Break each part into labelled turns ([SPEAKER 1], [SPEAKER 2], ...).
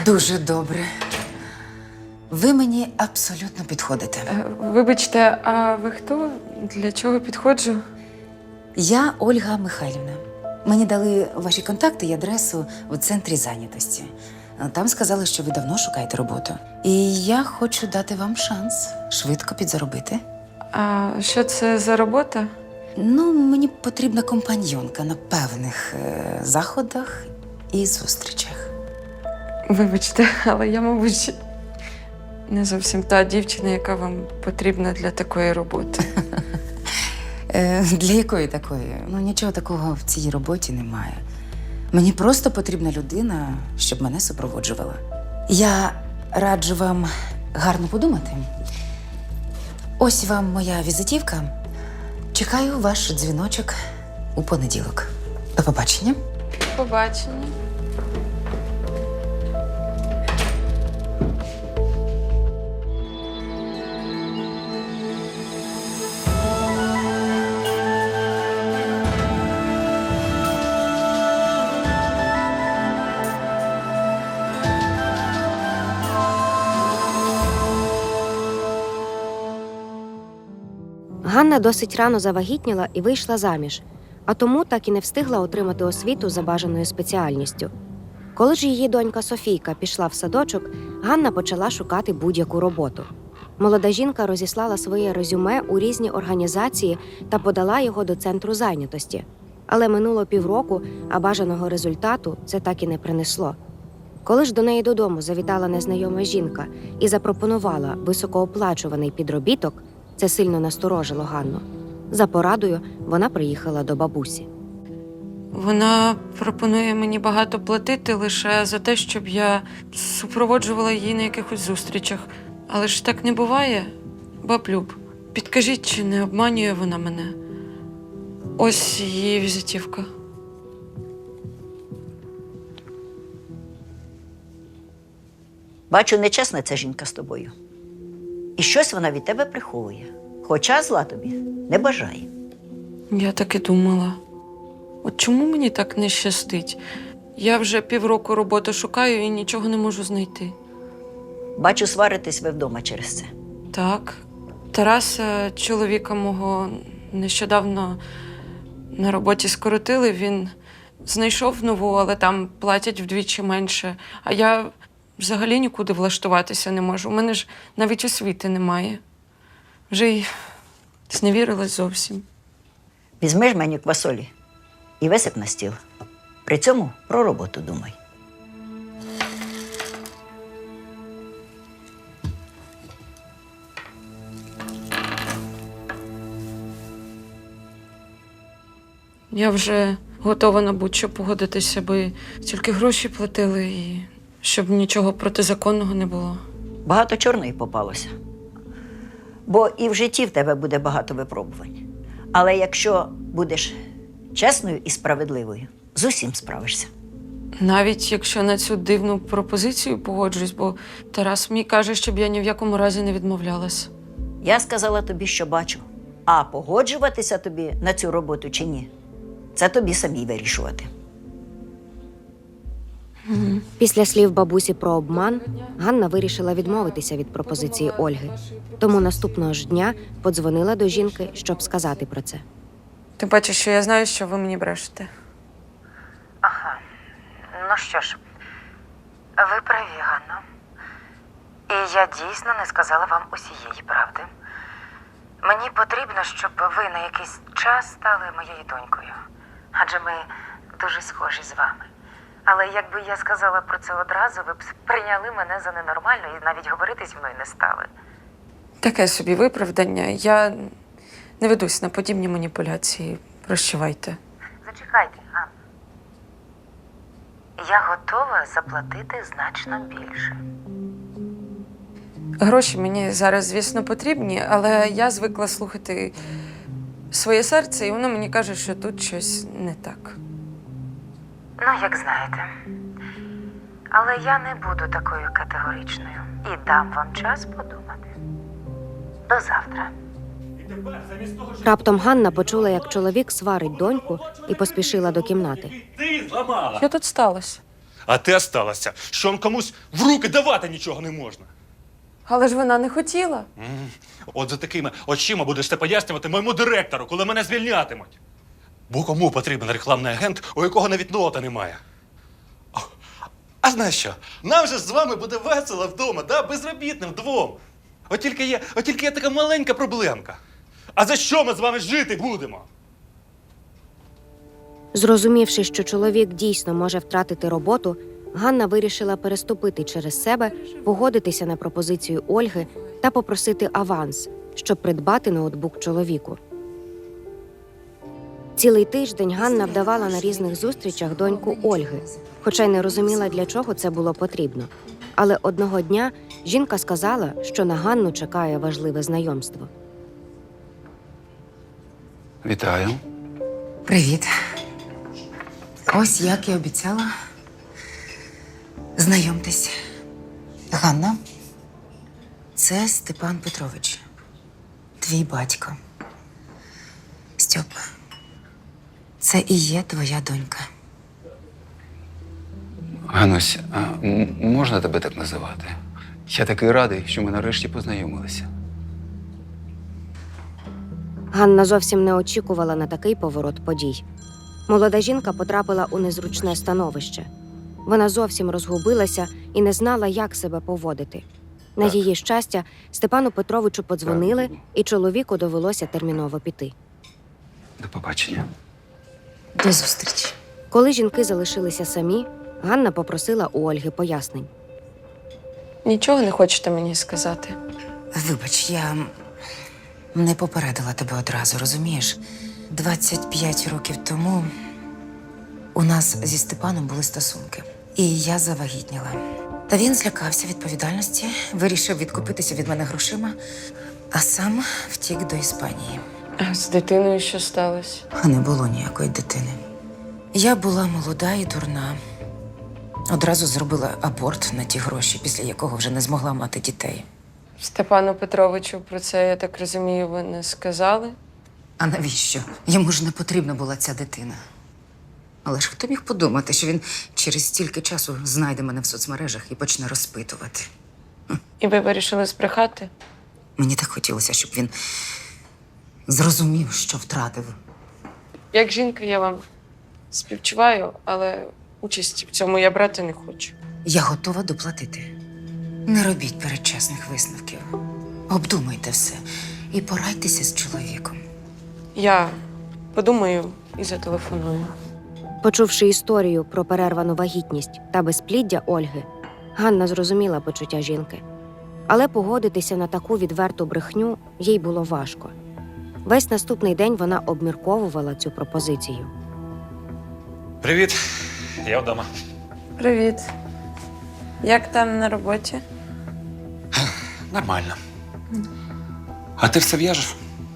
[SPEAKER 1] Дуже добре. Ви мені абсолютно підходите.
[SPEAKER 2] Вибачте, а ви хто? Для чого підходжу?
[SPEAKER 1] Я Ольга Михайлівна. Мені дали ваші контакти і адресу в центрі зайнятості. Там сказали, що ви давно шукаєте роботу. І я хочу дати вам шанс швидко підзаробити.
[SPEAKER 2] А що це за робота?
[SPEAKER 1] Ну, мені потрібна компаньйонка на певних заходах і зустрічах.
[SPEAKER 2] Вибачте, але я, мабуть, не зовсім та дівчина, яка вам потрібна для такої роботи.
[SPEAKER 1] Для якої такої? Ну, нічого такого в цій роботі немає. Мені просто потрібна людина, щоб мене супроводжувала. Я раджу вам гарно подумати. Ось вам моя візитівка. Чекаю ваш дзвіночок у понеділок. До побачення.
[SPEAKER 2] Побачення.
[SPEAKER 3] Ганна досить рано завагітніла і вийшла заміж, а тому так і не встигла отримати освіту за бажаною спеціальністю. Коли ж її донька Софійка пішла в садочок, Ганна почала шукати будь-яку роботу. Молода жінка розіслала своє резюме у різні організації та подала його до центру зайнятості. Але минуло півроку, а бажаного результату це так і не принесло. Коли ж до неї додому завітала незнайома жінка і запропонувала високооплачуваний підробіток, це сильно насторожило Ганну. За порадою вона приїхала до бабусі.
[SPEAKER 2] Вона пропонує мені багато платити лише за те, щоб я супроводжувала її на якихось зустрічах. Але ж так не буває, баб Люб. Підкажіть, чи не обманює вона мене? Ось її візитівка.
[SPEAKER 4] Бачу, нечесна ця жінка з тобою. І щось вона від тебе приховує. Хоча зла тобі не бажає.
[SPEAKER 2] Я так і думала. От чому мені так не щастить? Я вже півроку роботи шукаю і нічого не можу знайти.
[SPEAKER 4] Бачу, сваритесь ви вдома через це.
[SPEAKER 2] Так. Тараса, чоловіка мого, нещодавно на роботі скоротили. Він знайшов нову, але там платять вдвічі менше. А я взагалі нікуди влаштуватися не можу. У мене ж навіть освіти немає. Вже й зневірилась зовсім.
[SPEAKER 4] Візьми жменю квасолі і висип на стіл. При цьому про роботу думай.
[SPEAKER 2] Я вже готова на будь-що погодитися, аби тільки гроші платили і щоб нічого протизаконного не було.
[SPEAKER 4] Багато чорної попалося. Бо і в житті в тебе буде багато випробувань. Але якщо будеш чесною і справедливою, з усім справишся.
[SPEAKER 2] Навіть якщо на цю дивну пропозицію погоджуюсь, бо Тарас мені каже, щоб я ні в якому разі не відмовлялась.
[SPEAKER 4] Я сказала тобі, що бачу. А погоджуватися тобі на цю роботу чи ні, це тобі самій вирішувати.
[SPEAKER 3] Після слів бабусі про обман, Ганна вирішила відмовитися від пропозиції Ольги. Тому наступного ж дня подзвонила до жінки, щоб сказати про це.
[SPEAKER 2] Ти бачиш, що я знаю, що ви мені брешете.
[SPEAKER 1] Ага. Ну що ж, ви праві, Ганно. І я дійсно не сказала вам усієї правди. Мені потрібно, щоб ви на якийсь час стали моєю донькою. Адже ми дуже схожі з вами. Але якби я сказала про це одразу, ви б прийняли мене за ненормальну і навіть говорити зі мною не стали.
[SPEAKER 2] Таке собі виправдання. Я не ведусь на подібні маніпуляції. Прощавайте.
[SPEAKER 1] Зачекайте, Ганна. Я готова заплатити значно більше.
[SPEAKER 2] Гроші мені зараз, звісно, потрібні, але я звикла слухати своє серце, і воно мені каже, що тут щось не так.
[SPEAKER 1] Ну, як знаєте. Але я не буду такою категоричною і дам вам час подумати. До завтра.
[SPEAKER 3] Раптом Ганна почула, як чоловік сварить доньку, і поспішила до кімнати.
[SPEAKER 5] Ти зламала.
[SPEAKER 2] Що тут сталося?
[SPEAKER 5] А ти осталася, що он комусь в руки давати нічого не можна.
[SPEAKER 2] Але ж вона не хотіла.
[SPEAKER 5] От за такими очима будеш ти пояснювати моєму директору, коли мене звільнятимуть. Бо кому потрібен рекламний агент, у якого навіть нота немає? А знаєш що? Нам же з вами буде весело вдома, да? Безробітним двом. От тільки є така маленька проблемка. А за що ми з вами жити будемо?
[SPEAKER 3] Зрозумівши, що чоловік дійсно може втратити роботу, Ганна вирішила переступити через себе, погодитися на пропозицію Ольги та попросити аванс, щоб придбати ноутбук чоловіку. Цілий тиждень Ганна вдавала на різних зустрічах доньку Ольги, хоча й не розуміла, для чого це було потрібно. Але одного дня жінка сказала, що на Ганну чекає важливе знайомство.
[SPEAKER 6] Вітаю.
[SPEAKER 7] Привіт. Ось як і обіцяла. Знайомтесь. Ганна. Це Степан Петрович. Твій батько. Стьоп. Це і є твоя донька.
[SPEAKER 6] Ганусь, а можна тебе так називати? Я такий радий, що ми нарешті познайомилися.
[SPEAKER 3] Ганна зовсім не очікувала на такий поворот подій. Молода жінка потрапила у незручне становище. Вона зовсім розгубилася і не знала, як себе поводити. На
[SPEAKER 6] Так.
[SPEAKER 3] її щастя, Степану Петровичу подзвонили, і чоловіку довелося терміново піти.
[SPEAKER 6] До побачення.
[SPEAKER 7] До зустрічі.
[SPEAKER 3] Коли жінки залишилися самі, Ганна попросила у Ольги пояснень.
[SPEAKER 2] Нічого не хочете мені сказати?
[SPEAKER 7] Вибач, я не попередила тебе одразу, розумієш? 25 років тому у нас зі Степаном були стосунки. І я завагітніла. Та він злякався відповідальності, вирішив відкупитися від мене грошима, а сам втік до Іспанії.
[SPEAKER 2] А з дитиною що сталося?
[SPEAKER 7] А не було ніякої дитини. Я була молода і дурна. Одразу зробила аборт на ті гроші, після якого вже не змогла мати дітей.
[SPEAKER 2] Степану Петровичу про це, я так розумію, ви не сказали?
[SPEAKER 7] А навіщо? Йому ж не потрібна була ця дитина. Але ж хто міг подумати, що він через стільки часу знайде мене в соцмережах і почне розпитувати.
[SPEAKER 2] І ви вирішили збрехати?
[SPEAKER 7] Мені так хотілося, щоб він зрозумів, що втратив.
[SPEAKER 2] Як жінка, я вам співчуваю, але участі в цьому я брати не хочу.
[SPEAKER 7] Я готова доплатити. Не робіть передчасних висновків. Обдумайте все і порадьтеся з чоловіком.
[SPEAKER 2] Я подумаю і зателефоную.
[SPEAKER 3] Почувши історію про перервану вагітність та безпліддя Ольги, Ганна зрозуміла почуття жінки. Але погодитися на таку відверту брехню їй було важко. Весь наступний день вона обмірковувала цю пропозицію.
[SPEAKER 5] Привіт, я вдома.
[SPEAKER 2] Привіт. Як там на роботі?
[SPEAKER 5] Нормально. А ти все в'яжеш?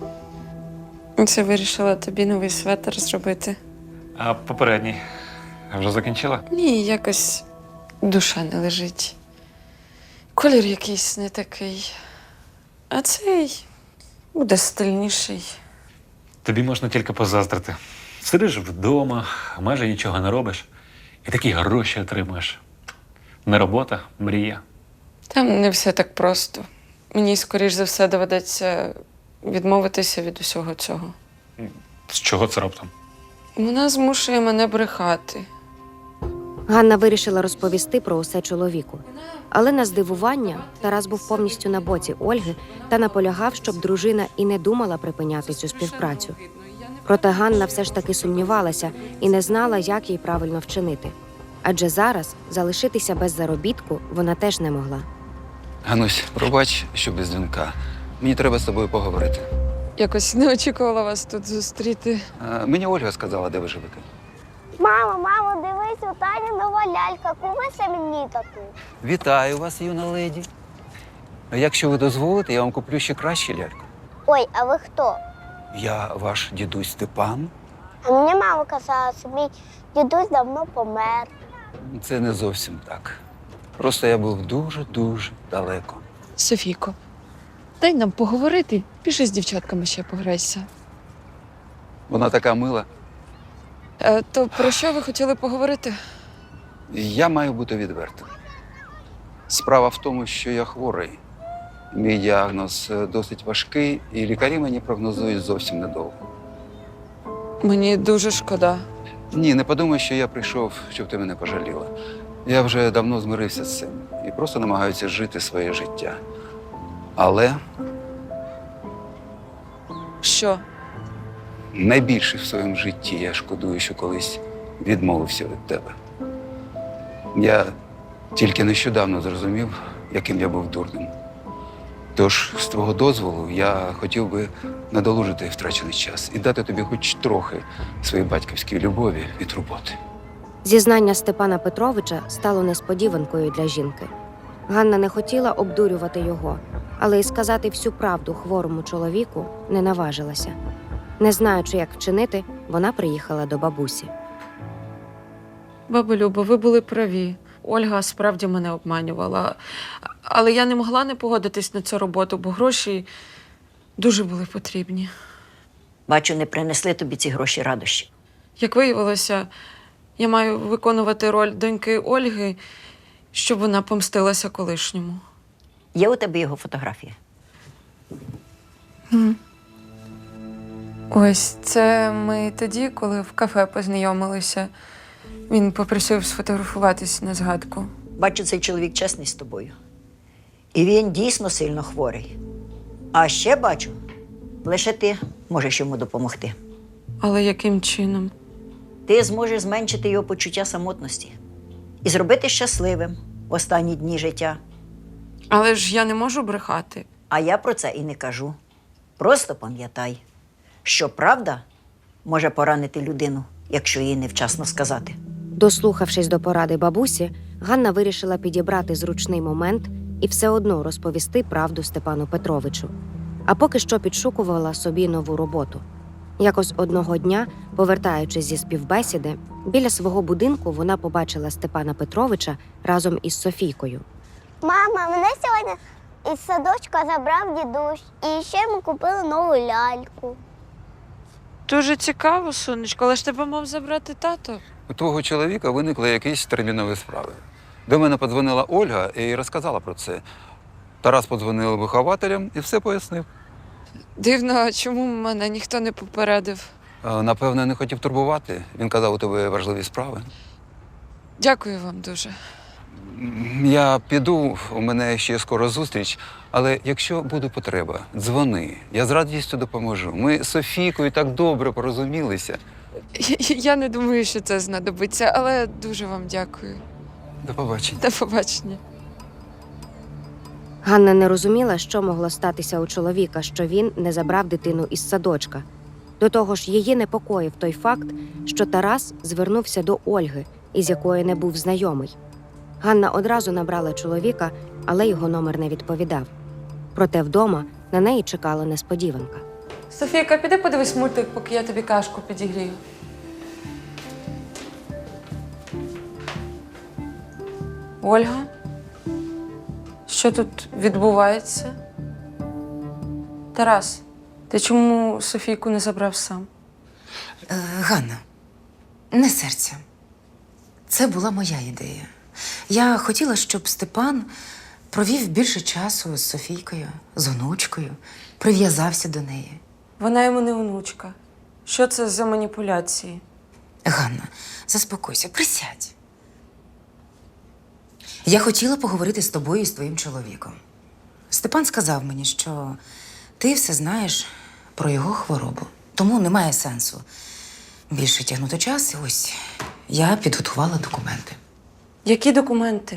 [SPEAKER 2] Це вирішила тобі новий светр зробити.
[SPEAKER 5] А попередній вже закінчила?
[SPEAKER 2] Ні, якось душа не лежить. Колір якийсь не такий. А цей буде стильніший.
[SPEAKER 5] Тобі можна тільки позаздрити. Сидиш вдома, майже нічого не робиш, і такі гроші отримуєш. Не робота, мрія.
[SPEAKER 2] Там не все так просто. Мені, скоріш за все, доведеться відмовитися від усього цього.
[SPEAKER 5] З чого це раптом?
[SPEAKER 2] Вона змушує мене брехати.
[SPEAKER 3] Ганна вирішила розповісти про усе чоловіку. Але на здивування Тарас був повністю на боці Ольги та наполягав, щоб дружина і не думала припиняти цю співпрацю. Проте Ганна все ж таки сумнівалася і не знала, як їй правильно вчинити. Адже зараз залишитися без заробітку вона теж не могла.
[SPEAKER 6] Ганусь, пробач, що без дзвінка. Мені треба з тобою поговорити.
[SPEAKER 2] Якось не очікувала вас тут зустріти.
[SPEAKER 6] Мені Ольга сказала, де ви живете.
[SPEAKER 8] Мамо, дивись, у Тані нова лялька. Купися мені таку.
[SPEAKER 6] Вітаю вас, юна леді. Якщо ви дозволите, я вам куплю ще кращу ляльку.
[SPEAKER 8] Ой, а ви хто?
[SPEAKER 6] Я ваш дідусь Степан.
[SPEAKER 8] А мені мама казала, що мій дідусь давно помер.
[SPEAKER 6] Це не зовсім так. Просто я був дуже-дуже далеко.
[SPEAKER 2] Софійко, дай нам поговорити. Пішли з дівчатками ще пограйся.
[SPEAKER 6] Вона така мила.
[SPEAKER 2] То про що ви хотіли поговорити?
[SPEAKER 6] Я маю бути відвертим. Справа в тому, що я хворий. Мій діагноз досить важкий, і лікарі мені прогнозують зовсім недовго.
[SPEAKER 2] Мені дуже шкода.
[SPEAKER 6] Ні, не подумай, що я прийшов, щоб ти мене пожаліла. Я вже давно змирився з цим і просто намагаюся жити своє життя. Але
[SPEAKER 2] Що?
[SPEAKER 6] найбільше в своєму житті я шкодую, що колись відмовився від тебе. Я тільки нещодавно зрозумів, яким я був дурним. Тож, з твого дозволу, я хотів би надолужити втрачений час і дати тобі хоч трохи своєї батьківської любові і турботи.
[SPEAKER 3] Зізнання Степана Петровича стало несподіванкою для жінки. Ганна не хотіла обдурювати його, але й сказати всю правду хворому чоловіку не наважилася. Не знаючи, як вчинити, вона приїхала до бабусі.
[SPEAKER 2] Баба Люба, ви були праві. Ольга справді мене обманювала. Але я не могла не погодитись на цю роботу, бо гроші дуже були потрібні.
[SPEAKER 4] Бачу, не принесли тобі ці гроші радощі.
[SPEAKER 2] Як виявилося, я маю виконувати роль доньки Ольги, щоб вона помстилася колишньому.
[SPEAKER 4] Є у тебе його фотографія?
[SPEAKER 2] Ось це ми тоді, коли в кафе познайомилися. Він попросив сфотографуватись на згадку.
[SPEAKER 4] Бачу, цей чоловік чесний з тобою. І він дійсно сильно хворий. А ще бачу, лише ти можеш йому допомогти.
[SPEAKER 2] Але яким чином?
[SPEAKER 4] Ти зможеш зменшити його почуття самотності і зробити щасливим в останні дні життя.
[SPEAKER 2] Але ж я не можу брехати.
[SPEAKER 4] А я про це і не кажу. Просто пам'ятай, що правда може поранити людину, якщо їй невчасно сказати.
[SPEAKER 3] Дослухавшись до поради бабусі, Ганна вирішила підібрати зручний момент і все одно розповісти правду Степану Петровичу. А поки що підшукувала собі нову роботу. Якось одного дня, повертаючись зі співбесіди, біля свого будинку вона побачила Степана Петровича разом із Софійкою.
[SPEAKER 8] Мама, мене сьогодні із садочка забрав дідусь. І ще ми купили нову ляльку.
[SPEAKER 2] Дуже цікаво, сонечко, але ж тебе мав забрати тато.
[SPEAKER 6] У твого чоловіка виникли якісь термінові справи. До мене подзвонила Ольга і розказала про це. Тарас подзвонив вихователям і все пояснив.
[SPEAKER 2] Дивно, а чому мене ніхто не попередив?
[SPEAKER 6] Напевно, не хотів турбувати. Він казав, у тебе важливі справи.
[SPEAKER 2] Дякую вам дуже.
[SPEAKER 6] Я піду, у мене ще скоро зустріч, але якщо буде потреба, дзвони. Я з радістю допоможу. Ми з Софійкою так добре порозумілися.
[SPEAKER 2] Я не думаю, що це знадобиться, але дуже вам дякую.
[SPEAKER 6] До побачення.
[SPEAKER 2] До побачення.
[SPEAKER 3] Ганна не розуміла, що могло статися у чоловіка, що він не забрав дитину із садочка. До того ж, її непокоїв той факт, що Тарас звернувся до Ольги, із якою не був знайомий. Ганна одразу набрала чоловіка, але його номер не відповідав. Проте вдома на неї чекала несподіванка.
[SPEAKER 2] Софійка, піди подивись мультик, поки я тобі кашку підігрію. Ольга? Що тут відбувається? Тарас, ти чому Софійку не забрав сам?
[SPEAKER 7] Ганна, не серця. Це була моя ідея. Я хотіла, щоб Степан провів більше часу з Софійкою, з онучкою, прив'язався до неї.
[SPEAKER 2] Вона йому не онучка. Що це за маніпуляції?
[SPEAKER 7] Ганна, заспокойся, присядь. Я хотіла поговорити з тобою і з твоїм чоловіком. Степан сказав мені, що ти все знаєш про його хворобу, тому немає сенсу більше тягнути час. І ось я підготувала документи.
[SPEAKER 2] Які документи?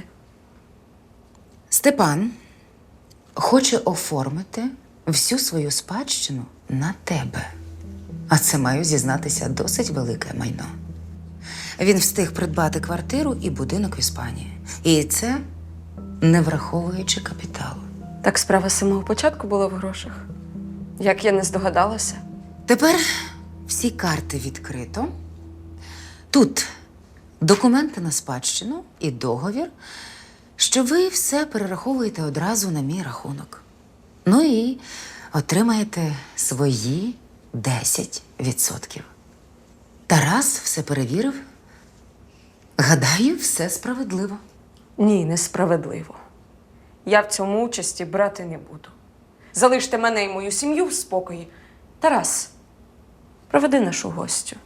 [SPEAKER 7] Степан хоче оформити всю свою спадщину на тебе. А це, маю зізнатися, досить велике майно. Він встиг придбати квартиру і будинок в Іспанії. І це не враховуючи капіталу.
[SPEAKER 2] Так справа з самого початку була в грошах. Як я не здогадалася.
[SPEAKER 7] Тепер всі карти відкрито. Тут документи на спадщину і договір, що ви все перераховуєте одразу на мій рахунок. Ну і отримаєте свої 10%. Тарас все перевірив Гадаю, все справедливо.
[SPEAKER 2] Ні, несправедливо. Я в цьому участі брати не буду. Залиште мене і мою сім'ю в спокої. Тарас, проведи нашу гостю.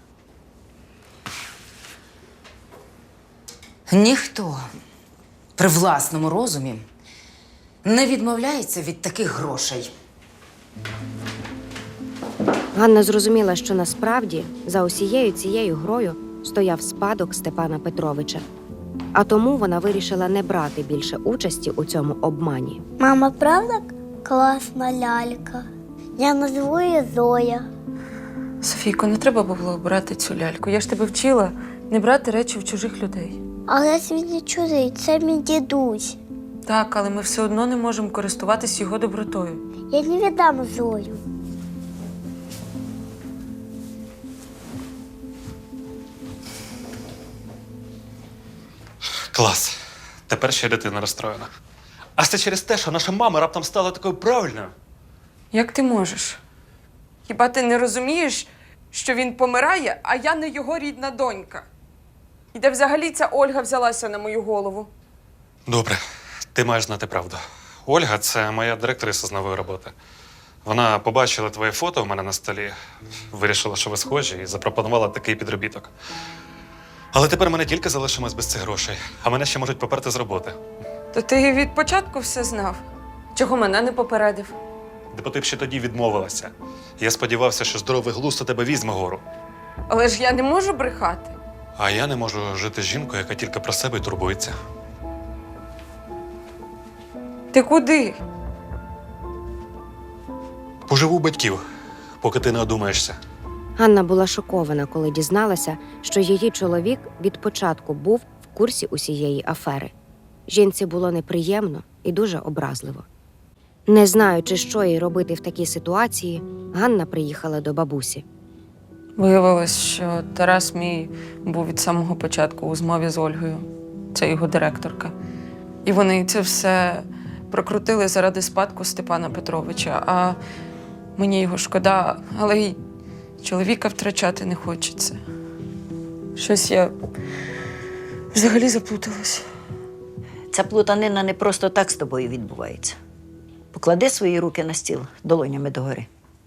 [SPEAKER 7] Ніхто при власному розумі не відмовляється від таких грошей.
[SPEAKER 3] Ганна зрозуміла, що насправді за усією цією грою стояв спадок Степана Петровича. А тому вона вирішила не брати більше участі у цьому обмані.
[SPEAKER 8] Мама, правда класна лялька? Я назву її Зоя.
[SPEAKER 2] Софійко, не треба було брати цю ляльку. Я ж тебе вчила не брати речі в чужих людей.
[SPEAKER 8] Але ж він не чужий, це мій дідусь.
[SPEAKER 2] Так, але ми все одно не можемо користуватись його добротою.
[SPEAKER 8] Я не віддам Зою.
[SPEAKER 5] Клас. Тепер ще й дитина розстроєна. А це через те, що наша мама раптом стала такою правильною.
[SPEAKER 2] Як ти можеш? Хіба ти не розумієш, що він помирає, а я не його рідна донька? І де взагалі ця Ольга взялася на мою голову?
[SPEAKER 5] Добре, ти маєш знати правду. Ольга – це моя директриса з нової роботи. Вона побачила твоє фото у мене на столі, вирішила, що ви схожі, і запропонувала такий підробіток. Але тепер ми не тільки залишимось без цих грошей, а мене ще можуть поперти з роботи.
[SPEAKER 2] То ти від початку все знав? Чого мене не попередив?
[SPEAKER 5] Бо ти б ще тоді відмовилася. Я сподівався, що здоровий глузд у тебе візьме гору.
[SPEAKER 2] Але ж я не можу брехати.
[SPEAKER 5] А я не можу жити з жінкою, яка тільки про себе й турбується.
[SPEAKER 2] Ти куди?
[SPEAKER 5] Поживу у батьків, поки ти не одумаєшся.
[SPEAKER 3] Ганна була шокована, коли дізналася, що її чоловік від початку був в курсі усієї афери. Жінці було неприємно і дуже образливо. Не знаючи, що їй робити в такій ситуації, Ганна приїхала до бабусі.
[SPEAKER 2] Виявилось, що Тарас мій був від самого початку у змові з Ольгою. Це його директорка. І вони це все прокрутили заради спадку Степана Петровича. А мені його шкода, але й чоловіка втрачати не хочеться. Щось я взагалі заплуталась.
[SPEAKER 4] Ця плутанина не просто так з тобою відбувається. Поклади свої руки на стіл долонями догори.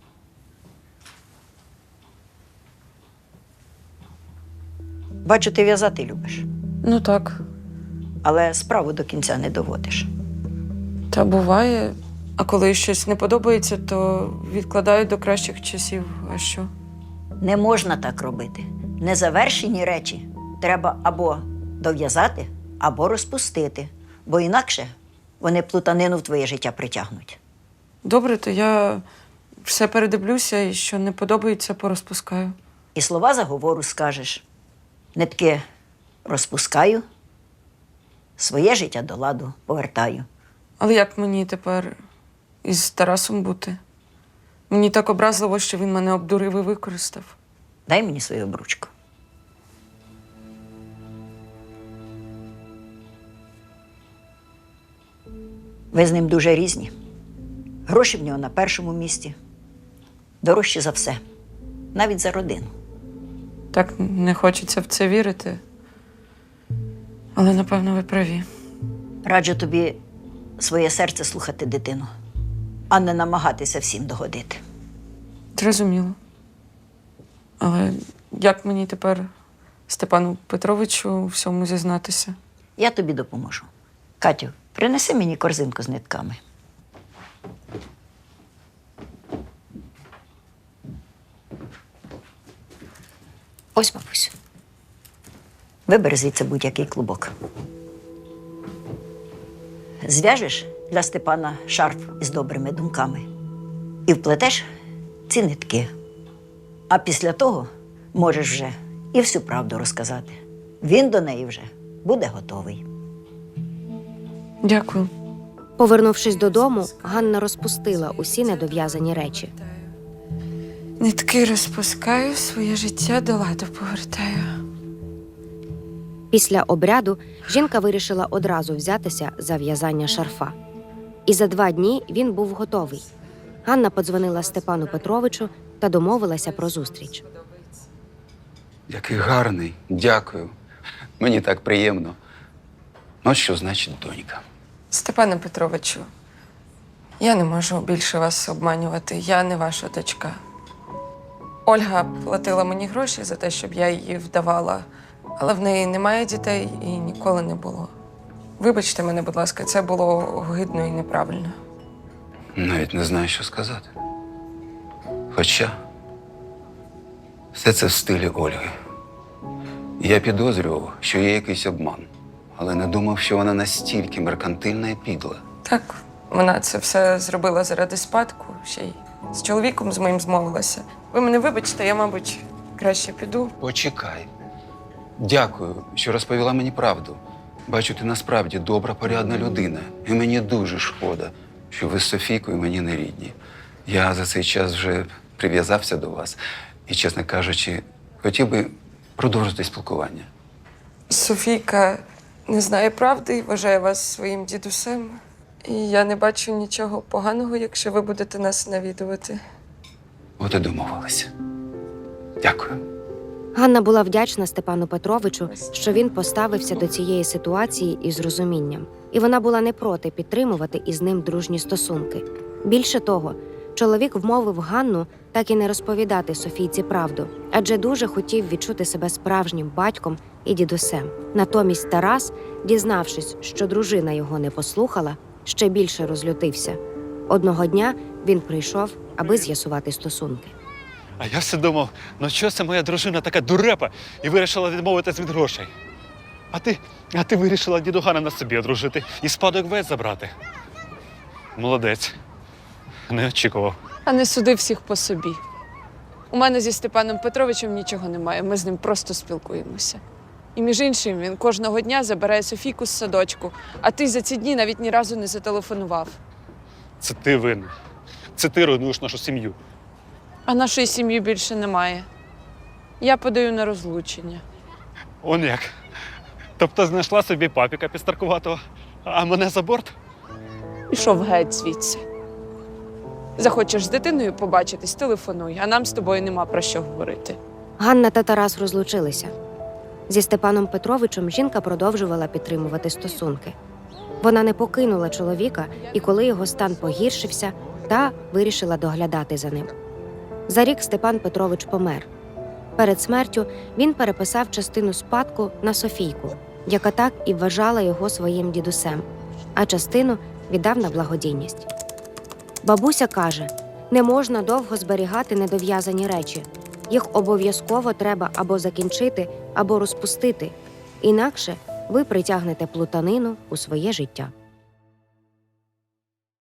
[SPEAKER 4] Бачу, ти в'язати любиш,
[SPEAKER 2] Ну так,
[SPEAKER 4] але справу до кінця не доводиш.
[SPEAKER 2] та буває. А коли щось не подобається, то відкладаю до кращих часів. А що?
[SPEAKER 4] Не можна так робити. Незавершені речі треба або дов'язати, або розпустити, бо інакше вони плутанину в твоє життя притягнуть.
[SPEAKER 2] Добре, то я все передивлюся і що не подобається, порозпускаю.
[SPEAKER 4] І слова заговору скажеш. Нитки розпускаю, своє життя до ладу повертаю.
[SPEAKER 2] Але як мені тепер із Тарасом бути? Мені так образливо, що він мене обдурив і використав.
[SPEAKER 4] Дай мені свою обручку. Ви з ним дуже різні. Гроші в нього на першому місці. Дорожчі за все. Навіть за родину.
[SPEAKER 2] Так не хочеться в це вірити. Але, напевно, ви праві.
[SPEAKER 4] Раджу тобі своє серце слухати дитину, а не намагатися всім догодити.
[SPEAKER 2] Зрозуміло. Але як мені тепер Степану Петровичу у всьому зізнатися?
[SPEAKER 4] Я тобі допоможу. Катю, принеси мені корзинку з нитками.
[SPEAKER 3] Ось, бабусю.
[SPEAKER 4] Вибери звідси будь-який клубок. Зв'яжеш для Степана шарф із добрими думками і вплетеш ці нитки. А після того можеш вже і всю правду розказати. Він до неї вже буде готовий.
[SPEAKER 2] Дякую.
[SPEAKER 3] Повернувшись додому, Ганна розпустила усі недов'язані речі.
[SPEAKER 2] Нитки розпускаю, своє життя до ладу повертаю.
[SPEAKER 3] Після обряду жінка вирішила одразу взятися за в'язання шарфа. І за 2 дні він був готовий. Ганна подзвонила Степану Петровичу та домовилася про зустріч.
[SPEAKER 6] Який гарний, дякую. Мені так приємно. От що значить донька.
[SPEAKER 2] Степане Петровичу, я не можу більше вас обманювати. Я не ваша дочка. Ольга платила мені гроші за те, щоб я її вдавала, але в неї немає дітей і ніколи не було. Вибачте мене, будь ласка, це було огидно і неправильно.
[SPEAKER 6] Навіть не знаю, що сказати. Хоча все це в стилі Ольги. Я підозрював, що є якийсь обман, але не думав, що вона настільки меркантильна і підла.
[SPEAKER 2] Так, вона це все зробила заради спадку, ще й з чоловіком з моїм змовилася. Ви мене вибачте, я, мабуть, краще піду.
[SPEAKER 6] Почекай. Дякую, що розповіла мені правду. Бачу, ти насправді добра, порядна людина. І мені дуже шкода, що ви з Софійкою мені не рідні. Я за цей час вже прив'язався до вас і, чесно кажучи, хотів би продовжити спілкування.
[SPEAKER 2] Софійка не знає правди і вважає вас своїм дідусем. І я не бачу нічого поганого, якщо ви будете нас навідувати.
[SPEAKER 6] От і домовилися. Дякую.
[SPEAKER 3] Ганна була вдячна Степану Петровичу, що він поставився до цієї ситуації із розумінням. І вона була не проти підтримувати із ним дружні стосунки. Більше того, чоловік вмовив Ганну так і не розповідати Софійці правду, адже дуже хотів відчути себе справжнім батьком і дідусем. Натомість Тарас, дізнавшись, що дружина його не послухала, ще більше розлютився. Одного дня він прийшов, аби з'ясувати стосунки.
[SPEAKER 5] А я все думав, ну що це моя дружина така дурепа і вирішила відмовитись від грошей. А ти вирішила дідугана на собі одружити і спадок весь забрати. Молодець. Не очікував.
[SPEAKER 2] А не суди всіх по собі. У мене зі Степаном Петровичем нічого немає, ми з ним просто спілкуємося. І між іншим, він кожного дня забирає Софійку з садочку, а ти за ці дні навіть ні разу не зателефонував.
[SPEAKER 5] Це ти винен. Це ти руйнуєш нашу сім'ю.
[SPEAKER 2] А нашої сім'ї більше немає. Я подаю на розлучення.
[SPEAKER 5] Он як. Тобто знайшла собі папіка підстаркуватого, а мене за борт?
[SPEAKER 2] Пішов геть звідси. Захочеш з дитиною побачитись, телефонуй, а нам з тобою нема про що говорити.
[SPEAKER 3] Ганна та Тарас розлучилися. Зі Степаном Петровичем жінка продовжувала підтримувати стосунки. Вона не покинула чоловіка, і коли його стан погіршився, та вирішила доглядати за ним. За рік Степан Петрович помер. Перед смертю він переписав частину спадку на Софійку, яка так і вважала його своїм дідусем, а частину віддав на благодійність. Бабуся каже, не можна довго зберігати недов'язані речі. Їх обов'язково треба або закінчити, або розпустити. Інакше ви притягнете плутанину у своє життя.